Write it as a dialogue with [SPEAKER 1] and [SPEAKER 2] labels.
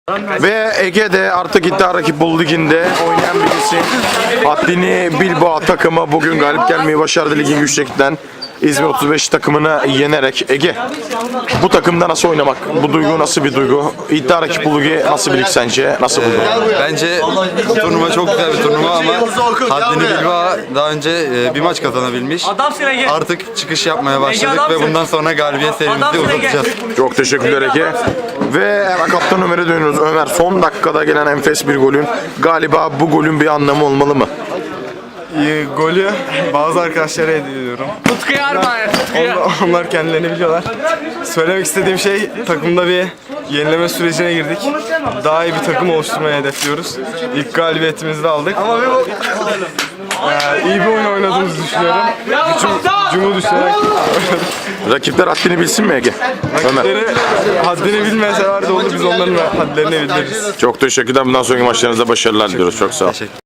[SPEAKER 1] Ve Ege'de artık iddia rakip liginde oynayan birisi. Haddini Bilbao takımı bugün galip gelmeyi başardı ligin yüksekten. İzmir 35 takımını yenerek. Ege, bu takımda nasıl oynamak? Bu duygu nasıl bir duygu? İddia rakip ligi nasıl bir lig sence? Nasıl buldun?
[SPEAKER 2] Bence turnuva çok güzel bir turnuva ama Haddini Bilbao daha önce bir maç kazanabilmiş. Artık çıkış yapmaya başladık ve bundan sonra galibiyet serimizi uzatacağız.
[SPEAKER 1] Çok teşekkürler Ege. Ve hemen kaptan Ömer'e dönüyoruz. Ömer, son dakikada gelen enfes bir golün. Galiba bu golün bir anlamı olmalı mı?
[SPEAKER 3] Golü bazı arkadaşlara ediyorum.
[SPEAKER 4] Tutkuya armağan et, tutkuya.
[SPEAKER 3] Onlar kendilerini biliyorlar. Söylemek istediğim şey, takımda bir yenileme sürecine girdik. Daha iyi bir takım oluşturmayı hedefliyoruz. İlk galibiyetimizi de aldık. İyi bir oyun oynadığımızı düşünüyorum. Gücümü düşünerek
[SPEAKER 1] Rakipler haddini bilsin mi Ege? Ömer.
[SPEAKER 3] haddini bilmeseler de olur, biz onların hadlerini bildiririz.
[SPEAKER 1] Çok teşekkürler. Bundan sonraki maçlarınızda başarılar diliyoruz. Çok sağ ol.